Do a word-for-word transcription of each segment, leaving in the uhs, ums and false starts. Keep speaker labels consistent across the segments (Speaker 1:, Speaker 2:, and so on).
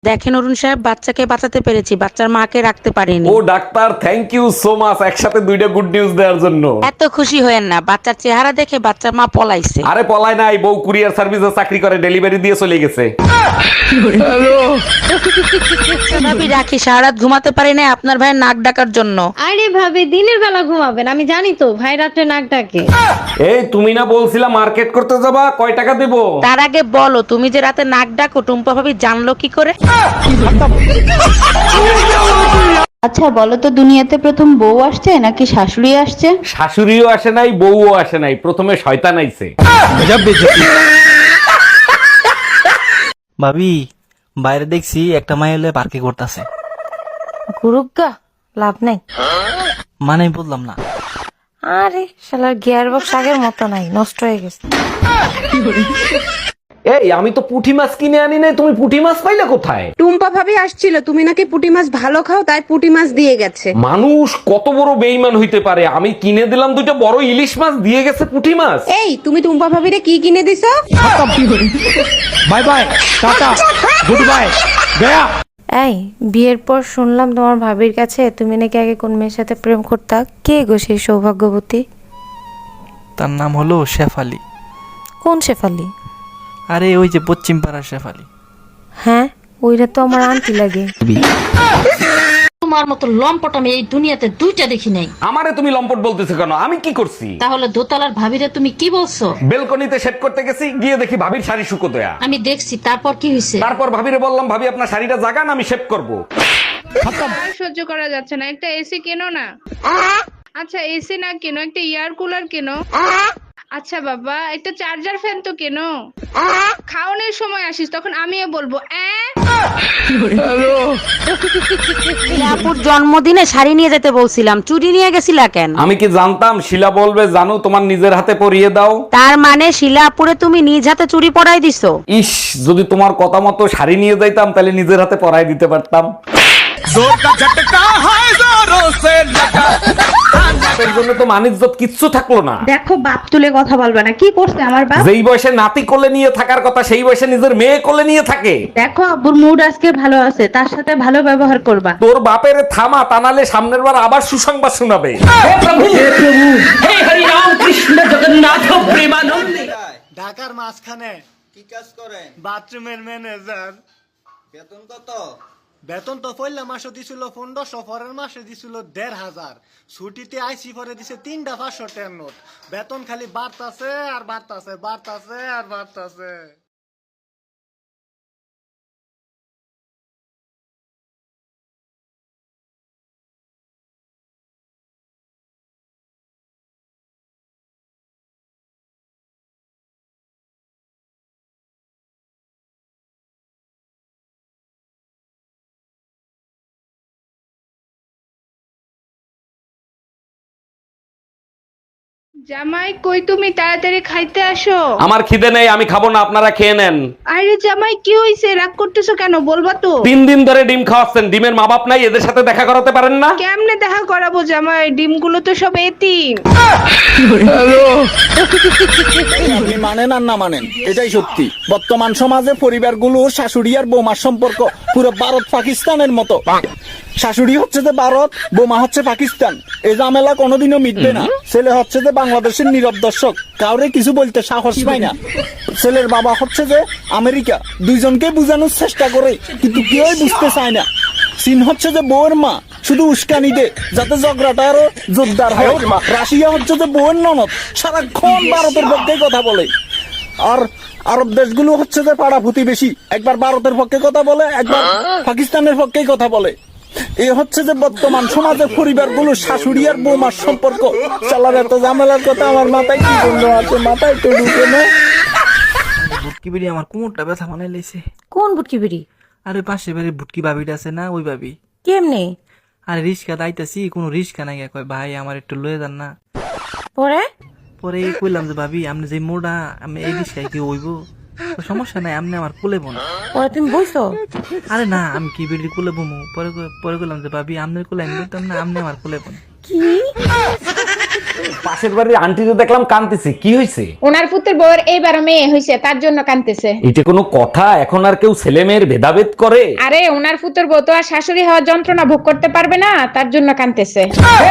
Speaker 1: দেখেন অরুণ সাহেব, বাচ্চাকে বাঁচাতে পেরেছি, বাচ্চার মাকে রাখতে পারিনি।
Speaker 2: ও doctor, thank you so much একসাথে দুইটা গুড নিউজ দেওয়ার জন্য।
Speaker 1: এত খুশি হয়েন না, বাচ্চার চেহারা দেখে বাচ্চার মা পলাইছে।
Speaker 2: আরে পলায় নাই, বউ কুরিয়ার সার্ভিসে চাকরি করে, ডেলিভারি দিয়ে চলে গেছে।
Speaker 1: ভাবি রাখি, সারা রাত ঘুমাতে পারি না আপনার ভাইয়ের নাক ডাকার জন্য।
Speaker 3: আরে ভাবি দিনের বেলা ঘুমাবেন, আমি জানি তো ভাই রাত্রে নাক ডাকে।
Speaker 2: এই তুমি না বলছিলা মার্কেট করতে যাবা, কয় টাকা দেবো?
Speaker 1: তার আগে বলো, তুমি যে রাতে নাক ডাকো টুম্পা ভাবি জানলো কি করে?
Speaker 4: আচ্ছা বলো তো, দুনিয়াতে প্রথম বউ আসছে নাকি শাশুড়ি আসছে?
Speaker 2: শাশুড়িও আসে নাই, বউও আসে নাই, প্রথমে শয়তান আইছে।
Speaker 5: ভাবি বাইরে দেখছি একটা মাই হলে পার্কে করতেছে।
Speaker 6: গুরুগা লাভ নাই।
Speaker 5: মানে বললাম না।
Speaker 6: আরে শালার গিয়ার বক্স আগের মতো নাই, নষ্ট হয়ে গেছে।
Speaker 2: এই আমি তো পুঁটি মাছ কিনে আনি নাই, তুমি পুঁটি মাছ পাইলে কোথায়?
Speaker 7: টুম্পা ভাবি আসছিল, তুমি নাকি পুঁটি মাছ ভালো খাও, তাই পুঁটি মাছ দিয়ে গেছে।
Speaker 2: মানুষ কত বড় বেইমান হইতে পারে, আমি কিনে দিলাম দুইটা বড় ইলিশ মাছ, দিয়ে গেছে পুঁটি মাছ।
Speaker 7: এই তুমি টুম্পা ভাবিরে কি কিনে দিছো?
Speaker 5: Bye bye, tata, good bye, গয়া।
Speaker 6: এই বিয়ের পর শুনলাম তোমার ভাবির কাছে তুমি নাকি আগে কোন মেয়ের সাথে প্রেম করতা। কে গো সেই সৌভাগ্যবতী?
Speaker 5: তার নাম হলো শেফালি।
Speaker 6: কোন শেফালি?
Speaker 5: আরে ওই যে পশ্চিম পাড়ার শেফালি।
Speaker 6: হ্যাঁ, ওইটা তো আমার আন্টি লাগে।
Speaker 8: তোমার মতো লম্পট আমি এই দুনিয়াতে দুইটা দেখি নাই।
Speaker 2: আমারে তুমি লম্পট বলতেছো কেন? আমি কি করছি?
Speaker 8: তাহলে দোতলার ভাবিরে তুমি কি বলছো?
Speaker 2: বেলকনিতে শেভ করতে গেছি, গিয়ে দেখি ভাবির শাড়ি শুকোতয়া।
Speaker 8: আমি দেখছি, তারপর কি হয়েছে?
Speaker 2: তারপর ভাবিরে বললাম, ভাবি আপনার শাড়িটা জাগান, আমি শেভ করব।
Speaker 9: সহ্য করা যাচ্ছে না, একটা এসি কেনো না। আচ্ছা এসি না কেনো, একটা এয়ার কুলার কেনো। আচ্ছা বাবা, একটা চার্জার ফ্যান তো কেনো। খাওয়ানোর সময় আসিস, তখন আমিও বলবো
Speaker 1: আপুর জন্মদিনে শাড়ি নিয়ে যেতে বলছিলাম, চুরি নিয়ে গেছিলা কেন?
Speaker 2: আমি কি জানতাম শিলা বলবে জানো তোমার নিজের হাতে পরিয়ে দাও?
Speaker 1: তার মানে শিলা আপুরে তুমি নিজ হাতে চুরি পরাই দিছো?
Speaker 2: ইস, যদি তোমার কথা মতো শাড়ি নিয়ে যাইতাম তাহলে নিজের হাতে পরাই দিতে পারতাম। এর জন্য তো মানিজ্জত কিচ্ছু থাকলো না।
Speaker 3: দেখো বাপ তুলে কথা বলবে না, কি করছে আমার বাপ?
Speaker 2: যেই বয়সে নাতি কোলে নিয়ে থাকার কথা সেই বয়সে নিজের মেয়ে কোলে নিয়ে থাকে।
Speaker 3: দেখো আব্বুর মুড আজকে ভালো আছে, তার সাথে ভালো ব্যবহার করবা।
Speaker 2: তোর বাপের থামা, তা নাহলে সামনের বার আবার সুসংবাদ শোনাবে।
Speaker 10: ঢাকার মাঝখানে কি কাজ করেন? বাথরুমের ম্যানেজার। বেতন কত? বেতন তো পয়লা মাসে দিছিল পনেরোশো, পরের মাসে দিছিল দেড় হাজার। ছুটিতে আইসি পরে দিছে তিনটা পাঁচশো টেন নোট। বেতন খালি বাড়তাছে আর বাড়তাছে, বাড়তাছে আর বাড়তাছে।
Speaker 9: জামাই কই তুমি, তাড়াতাড়ি খাইতে আসো।
Speaker 2: আমার খিদে নেই, আমি খাবো না, আপনারা খেয়ে নেন।
Speaker 9: আরে জামাই কি হইছে, রাগ করতেছো কেন, বলবা তো?
Speaker 2: তিন দিন ধরে ডিম খাওয়াচ্ছেন, ডিমের মা বাপ নাই, এদের সাথে দেখা করাতে পারেন না?
Speaker 9: কেমনে দেখা করাবো জামাই, ডিমগুলো তো সব এতিম।
Speaker 10: আপনি মানেন আর না মানেন, এটাই সত্যি। বর্তমান সমাজে পরিবারগুলোর শাশুড়ি আর বৌমার সম্পর্ক পুরো ভারত পাকিস্তানের মতো। শাশুড়ি হচ্ছে যে ভারত, বৌমা হচ্ছে পাকিস্তান। এই ঝামেলা কোনোদিনও মিটবে না। ছেলে হচ্ছে যে বাংলাদেশের নীরব দর্শক, কাউরে কিছু বলতে সাহস পায় না। ছেলের বাবা হচ্ছে যে আমেরিকা, দুইজনকে বুঝানোর চেষ্টা করে কিন্তু কেউই বুঝতে চায় না। চীন হচ্ছে যে বউয়ের মা, শুধু উস্কানি দে যাতে ঝগড়াটা আরো জোরদার হয়। রাশিয়া হচ্ছে যে বউয়ের ননদ, সারাক্ষণ ভারতের পক্ষে কথা বলে। আর আরব দেশগুলো হচ্ছে যে পাড়া প্রতিবেশী, একবার ভারতের পক্ষে কথা বলে, একবার পাকিস্তানের পক্ষে কথা বলে। এ হচ্ছে যে বর্তমান সমাজের পরিবারগুলো শাশুড়ি আর বৌমার সম্পর্ক। চালার এত ঝামেলার কথা আমার মাথায় কি জন্য আছে, মাথায় তো ঢুকে না।
Speaker 5: ভুটকি বিড়ি আমার কোমরটা ব্যথা বানাই লাইছে।
Speaker 6: কোন বুটকি বিড়ি?
Speaker 5: আরে পাশে বাড়ির ভুটকি ভাবিটা আছে না, ওই ভাবি।
Speaker 6: কেমনে?
Speaker 5: আরে রিস্কা দাইতাছি, কোনো রিস্কা নাই, কয় ভাই আমার একটু লয়ে যান না।
Speaker 6: পরে
Speaker 5: পরে কইলাম যে ভাবি আপনি যে মোড়া, আমি এই রিস্কায় কি হইব? সমস্যা নাই, আপনি আমার কোলে বোন।
Speaker 6: পরে তুমি বলছো?
Speaker 5: আরে না, আমি কি বেড়ি কোলে বমু। পরে পরে কইলাম যে ভাবি আপনার কোলে আমি বলতাম না, আপনি আমার কোলে বোন।
Speaker 6: কি
Speaker 2: পাশের বাড়ির আন্টিতে দেখলাম কাঁদতেছে, কি হয়েছে?
Speaker 9: ওনার পুত্রের বউয়ের এইবার মেয়ে হয়েছে, তার জন্য কাঁদতেছে।
Speaker 2: এটা কোনো কথা? এখন আর কেউ ছেলে মেয়ের ভেদাভেদ করে?
Speaker 9: আরে ওনার পুত্রের বউ তো আর শাশুড়ি হওয়ার যন্ত্রণা ভোগ করতে পারবে না, তার জন্য কাঁদতেছে।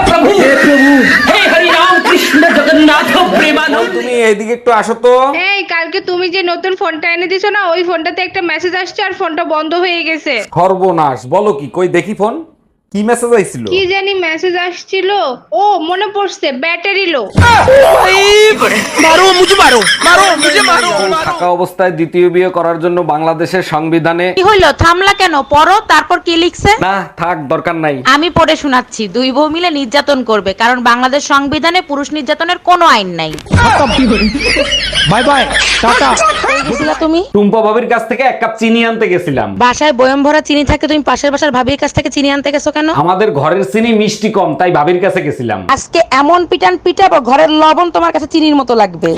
Speaker 2: তুমি এইদিকে একটু আসো তো।
Speaker 9: এই কালকে তুমি যে নতুন ফোনটা এনে দিছো না, ওই ফোনটাতে একটা মেসেজ আসছে আর ফোনটা বন্ধ হয়ে গেছে।
Speaker 2: সর্বনাশ, বলো কি? কই দেখি ফোন, কি মেসেজ আইছিল?
Speaker 9: কি জানি মেসেজ আসছিল, ও মনে পড়ছে, ব্যাটারি লো।
Speaker 2: থাকা অবস্থায় দ্বিতীয় বিয়ে করার জন্য বাংলাদেশের সংবিধানে
Speaker 1: কি হইলো, থামলা কেন? পড়ো, তারপর কি লিখছে?
Speaker 2: না থাক, দরকার নাই।
Speaker 1: আমি পড়ে শোনাচ্ছি। দুই বউ মিলে নির্যাতন করবে, কারণ বাংলাদেশ সংবিধানে পুরুষ নির্যাতনের কোনো আইন নাই।
Speaker 10: Bye bye, tata.
Speaker 1: কই গেছিলা তুমি?
Speaker 2: টুম্পা ভাবির কাছ থেকে এক কাপ চিনি আনতে গেছিলাম।
Speaker 1: বাসায় বয়ম ভরা চিনি থাকে, তুমি পাশের বাসার ভাবির কাছ থেকে চিনি আনতে গেছো কেন?
Speaker 2: আমাদের ঘরের চিনি মিষ্টি কম, তাই ভাবির কাছে গেছিলাম।
Speaker 1: আজকে এমন পিটান পিটাবো, ঘরের লবণ তোমার কাছে চিনির মতো লাগবে।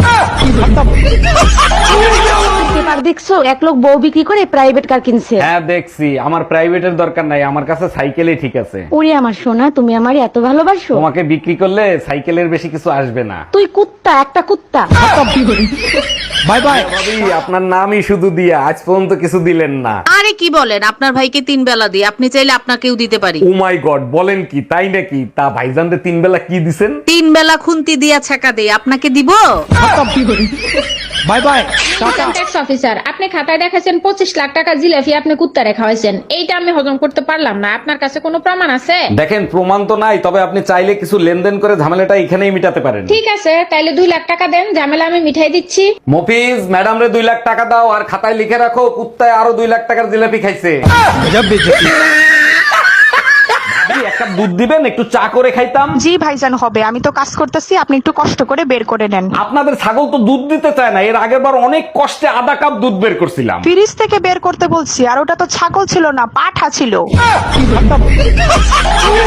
Speaker 1: পেপার দেখছো, এক লোক বউ বিক্রি করে প্রাইভেট কার কিনছে।
Speaker 2: হ্যাঁ দেখছি, আমার প্রাইভেটের দরকার নাই, আমার কাছে সাইকেলই ঠিক আছে।
Speaker 1: ওরে আমার সোনা, তুমি আমারে এত ভালোবাসো।
Speaker 2: তোমাকে বিক্রি করলে সাইকেলের বেশি কিছু আসবে না।
Speaker 1: তুই কুত্তা, একটা কুত্তা।
Speaker 10: Bye bye.
Speaker 2: ভাবি, আপনার নামই শুধু দিয়া, আজ পর্যন্ত কিছু দিলেন না।
Speaker 1: আরে কি বলেন, আপনার ভাইকে তিন বেলা দিই, আপনি চাইলে আপনাকেও দিতে পারি।
Speaker 2: ও মাই গড, বলেন কি? তাই নাকি? তা ভাইজানদের তিন বেলা কি দিছেন?
Speaker 1: তিন বেলা খুন্তি দিয়া ছাকা দেই, আপনাকে দিব?
Speaker 10: Bye bye, tata.
Speaker 3: Tax officer, আপনি খাতায় দেখাছেন পঁচিশ লাখ টাকা জিলাপি আপনি কুত্তারে খাওয়াইছেন, এইটা আমি হজম করতে পারলাম না। আপনার কাছে কোনো প্রমাণ আছে?
Speaker 2: দেখেন, প্রমাণ তো নাই, তবে আপনি চাইলে কিছু লেনদেন করে ঝামেলাটা এখানেই মিটাতে পারেন।
Speaker 3: ঠিক আছে, তাইলে দুই লাখ টাকা দেন, ঝামেলা আমি মিঠাই দিচ্ছি।
Speaker 2: মফিজ, ম্যাডাম রে দুই লাখ টাকা দাও, আর খাতায় লিখে রাখো কুত্তায় আরো দুই লাখ টাকার জিলাপি খাইছে। ভাবি, এক কাপ দুধ দিবেন, একটু চা করে খাইতাম।
Speaker 7: জি ভাইজান, হবে। আমি তো কাজ করতেছি, আপনি একটু কষ্ট করে বের করে নেন।
Speaker 2: আপনাদের ছাগল তো দুধ দিতে চায় না, এর আগের বার অনেক কষ্টে আধা কাপ দুধ বের করছিলাম।
Speaker 7: ফ্রিজ থেকে বের করতে বলছি, আর ওটা তো ছাগল ছিল না, পাঠা ছিল।